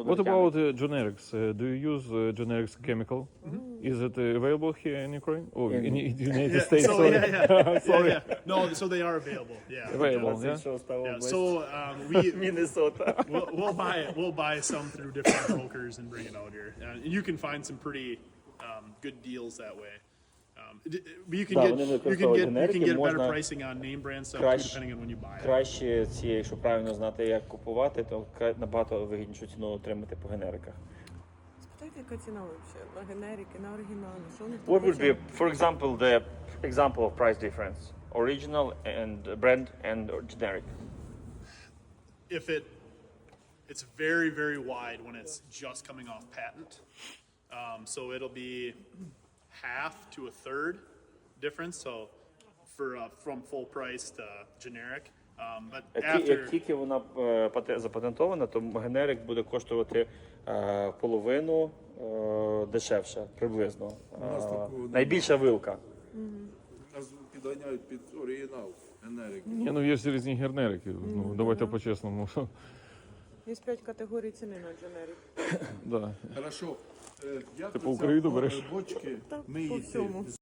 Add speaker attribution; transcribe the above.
Speaker 1: What about generics? Do you use generics chemical? Is it available here in Ukraine? Oh, in the United States,
Speaker 2: So
Speaker 1: sorry. Sorry.
Speaker 2: No, so they are available. Yeah.
Speaker 1: Available,
Speaker 3: Це
Speaker 1: yeah?
Speaker 3: що стало
Speaker 2: Yeah.
Speaker 3: область?
Speaker 2: So we
Speaker 3: Міннесота.
Speaker 2: we'll buy some through different brokers and bring it out here, and you can find some pretty good deals that way. But you can
Speaker 3: Да,
Speaker 2: get
Speaker 3: вони
Speaker 2: you can
Speaker 3: використовують
Speaker 2: get
Speaker 3: генерики,
Speaker 2: better
Speaker 3: можна
Speaker 2: pricing on name brand stuff too,
Speaker 3: краще-
Speaker 2: depending on when you buy it.
Speaker 3: Краще ці, якщо правильно знати, як купувати, то набагато вигіднішу ціну отримати по генериках.
Speaker 4: Спитайте, яка ціна взагалі? На генерики, на оригінали? Що вони
Speaker 3: What would be, for example, the example of price difference? Original and brand and generic.
Speaker 2: If it's very very wide when it's just coming off patent, so it'll be half to a third difference. So for from full price to generic, but
Speaker 3: Як
Speaker 2: after
Speaker 3: тільки вона запатентована, то генерик буде коштувати половину дешевше, приблизно. Найбільша вилка.
Speaker 5: Нас підганяють під оригінал, генерик.
Speaker 1: Ні, ну є ж різні генерики. Ну, давайте по-чесному.
Speaker 4: Є 5 категорій ціни на дженерик.
Speaker 1: Да.
Speaker 5: Хорошо. Як
Speaker 1: Ти
Speaker 5: ви
Speaker 1: по Україну
Speaker 5: ця
Speaker 1: береш?
Speaker 5: бочки
Speaker 4: Так, по
Speaker 5: миєте?
Speaker 4: всьому.